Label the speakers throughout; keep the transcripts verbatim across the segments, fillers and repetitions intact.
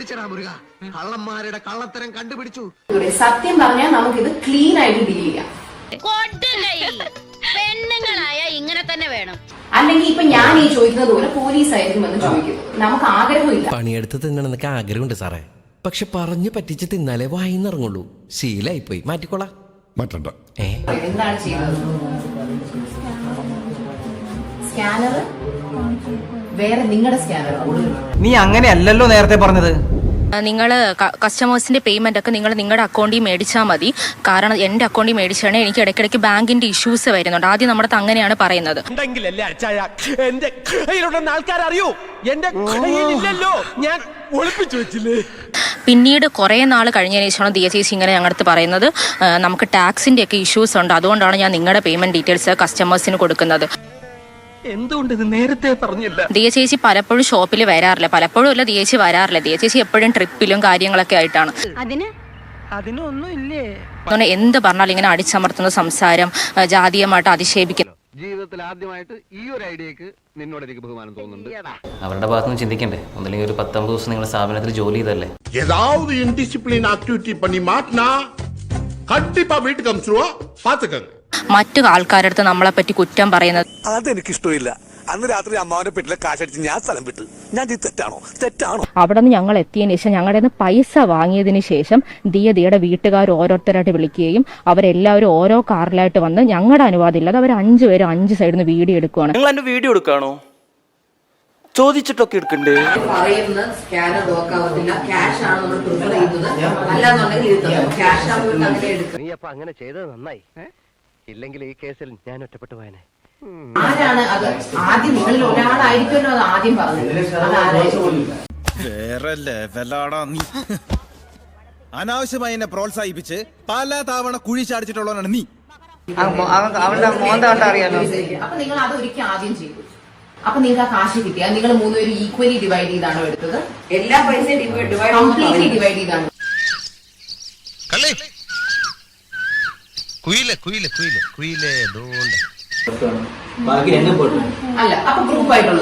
Speaker 1: കണ്ടുപിടിച്ചടാ മുരുക, കള്ളന്മാരുടെ കള്ളത്തരം കണ്ടുപിടിച്ചു.
Speaker 2: സത്യം പറഞ്ഞാൽ നമുക്കിത് ക്ലീൻ ആയിട്ട് ഡീൽ ചെയ്യാം.
Speaker 3: പെണ്ണുങ്ങളായ ഇങ്ങനെ തന്നെ വേണം.
Speaker 2: അല്ലെങ്കിൽ ഇപ്പൊ ഞാൻ ഈ ചോദിക്കുന്നത് പോലെ പോലീസ് ആയിരിക്കും എന്ന് ചോദിക്കുന്നത്. നമുക്ക് ആഗ്രഹമില്ല.
Speaker 4: പണിയെടുത്ത് തിന്നണമെന്നൊക്കെ ആഗ്രഹമുണ്ട് സാറേ, പക്ഷെ പറഞ്ഞു പറ്റിച്ച് തിന്നാലേ വായിന്നിറങ്ങുള്ളൂ. ശീലായി പോയി, മാറ്റിക്കോളാം.
Speaker 5: മാറ്റണ്ട.
Speaker 2: എന്താണ് ചെയ്യുന്നത്? സ്കാനർ വേറെ നിങ്ങളുടെ സ്കാനർ.
Speaker 6: നീ അങ്ങനെയല്ലല്ലോ നേരത്തെ പറഞ്ഞത്.
Speaker 7: നിങ്ങൾ കസ്റ്റമേഴ്സിന്റെ പേയ്മെന്റ് ഒക്കെ നിങ്ങൾ നിങ്ങളുടെ അക്കൗണ്ടിൽ മേടിച്ചാൽ മതി. കാരണം എന്റെ അക്കൗണ്ടിൽ മേടിച്ചാണെങ്കിൽ എനിക്ക് ഇടയ്ക്കിടയ്ക്ക് ബാങ്കിന്റെ ഇഷ്യൂസ് വരുന്നുണ്ട്. ആദ്യം നമ്മുടെ അങ്ങനെയാണ് പറയുന്നത്. പിന്നീട് കുറെ നാൾ കഴിഞ്ഞതിന് ശേഷമാണ് ദിയ ചേച്ചി ഇങ്ങനെ ഞങ്ങളുടെ പറയുന്നത് നമുക്ക് ടാക്സിന്റെ ഒക്കെ ഇഷ്യൂസ് ഉണ്ട്, അതുകൊണ്ടാണ് ഞാൻ നിങ്ങളുടെ പേയ്മെന്റ് ഡീറ്റെയിൽസ് കസ്റ്റമേഴ്സിന് കൊടുക്കുന്നത്.
Speaker 6: എന്തുകൊണ്ട് ഇത് നേരത്തെ പറഞ്ഞില്ല?
Speaker 7: ദിയ ചേച്ചി പലപ്പോഴും ഷോപ്പിൽ വരാറില്ല, പലപ്പോഴും അല്ല ദിയ ചേച്ചി വരാറില്ല. ദിയ ചേച്ചി എപ്പോഴും ട്രിപ്പിലും കാര്യങ്ങളൊക്കെ ആയിട്ടാണ്.
Speaker 3: അതിന്
Speaker 6: അതിനൊന്നും ഇല്ലേ?
Speaker 7: എന്ത് പറഞ്ഞാലും ഇങ്ങനെ അടിച്ചമർത്തുന്ന സംസാരം, ജാതീയമായിട്ട് അധിക്ഷേപിക്കുന്നു.
Speaker 1: ജീവിതത്തിൽ ആദ്യമായിട്ട് ഈ ഒരു ഐഡിയക്ക് നിന്നോട് എനിക്ക് ബഹുമാനം തോന്നുന്നുണ്ട്.
Speaker 8: അവരുടെ ഭാഗത്തുനിന്ന് ചിന്തിക്കണ്ടേ? ഒന്നില്ലെങ്കിൽ ഒരു പത്തൊമ്പത് ദിവസം നിങ്ങൾ സ്ഥാപനത്തിൽ ജോലി ചെയ്തല്ലേ?
Speaker 5: ஏதாவது இன்டிசிப்ளின் ஆக்டிவிட்டி பண்ணி மாட்டினா கண்டிப்பா வீட்டுக்கு அனுப்பிச்சிருவோம், பாத்துக்கங்க.
Speaker 7: മറ്റു ആൾക്കാരുടെ അടുത്ത് നമ്മളെ പറ്റി കുറ്റം പറയുന്നത്
Speaker 9: അതെനിക്കിഷ്ടമില്ല. അന്ന് രാത്രി അമ്മാവന്റെ പെട്ടിലെ കാശടിച്ച് ഞാൻ സ്ഥലം വിട്ടു. ഞാൻ തെറ്റാണോ? തെറ്റാണോ?
Speaker 7: അവിടെ നിന്ന് ഞങ്ങൾ എത്തിയതിനു ശേഷം ഞങ്ങളുടെ നിന്ന് പൈസ വാങ്ങിയതിന് ശേഷം ദിയ ദിയുടെ വീട്ടുകാർ ഓരോരുത്തരായിട്ട് വിളിക്കുകയും അവരെല്ലാവരും ഓരോ കാറിലായിട്ട് വന്ന് ഞങ്ങളുടെ അനുവാദം ഇല്ലാതെ അവർ അഞ്ചുപേരും അഞ്ച് സൈഡിൽ നിന്ന് വീഡിയോ എടുക്കുവാണ്.
Speaker 6: നിങ്ങൾ എന്റെ വീഡിയോ എടുക്കാണോ? ചോദിച്ചിട്ടൊക്കെ എടുക്കണ്ടേ?
Speaker 2: പറയുന്ന സ്കാനർ വർക്ക് ആവത്തില്ല, ക്യാഷ് ആണ് നമ്മൾ പ്രിഫർ ചെയ്യുന്നത്. അല്ലാന്നുണ്ടെങ്കിൽ ക്യാഷ് ആവുമ്പോൾ അങ്ങനെ എടുക്കും.
Speaker 1: നീ അപ്പൊ അങ്ങനെ ചെയ്തത് നന്നായി. ഇല്ലെങ്കിൽ ഈ കേസിൽ ഞാൻ ഒറ്റപ്പെട്ടു പോയനെ.
Speaker 2: ആരാണ് അത്? ആദ്യം നിങ്ങളിൽ ഒരാളായിരിക്കുമല്ലോ അത് ആദ്യം പറഞ്ഞത്.
Speaker 9: വേറെ ലെവലാടാ നീ. അനാവശ്യമായി എന്നെ പ്രോത്സാഹിപ്പിച്ച് പല തവണ കുഴി ചാടിച്ചിട്ടുള്ളവനാണ് നീ.
Speaker 6: അവളുടെ മോന്ത അറിയാലോ.
Speaker 2: അപ്പൊ നിങ്ങൾ അത് ഒരിക്കൽ ആദ്യം ചെയ്തു. അപ്പൊ നിങ്ങൾക്ക് ആ കാശ് കിട്ടിയ നിങ്ങൾ മൂന്നുപേരും ഈക്വലി ഡിവൈഡ് ചെയ്താണോ എടുത്തത്? എല്ലാ പൈസയും കംപ്ലീറ്റ്ലി ഡിവൈഡ് ചെയ്താണ്. അല്ല, അപ്പൊ ഗ്രൂപ്പ് ആയിട്ടുള്ളത്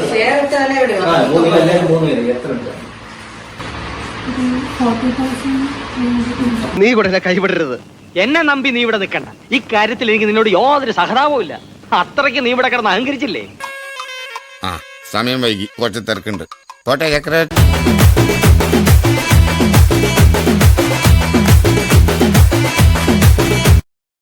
Speaker 1: നീ കൂടെ കൈവിടരുത്.
Speaker 6: എന്നെ നമ്പി നീ ഇവിടെ നിൽക്കണ്ട. ഈ കാര്യത്തിൽ എനിക്ക് നിന്നോട് യാതൊരു സഹതാപവും ഇല്ല. അത്രയ്ക്ക് നീ ഇവിടെ കിടന്ന് അഹങ്കരിച്ചില്ലേ?
Speaker 5: ആ സമയം വൈകി, കുറച്ച് തിരക്കുണ്ട്. കോട്ടെ ചക്ര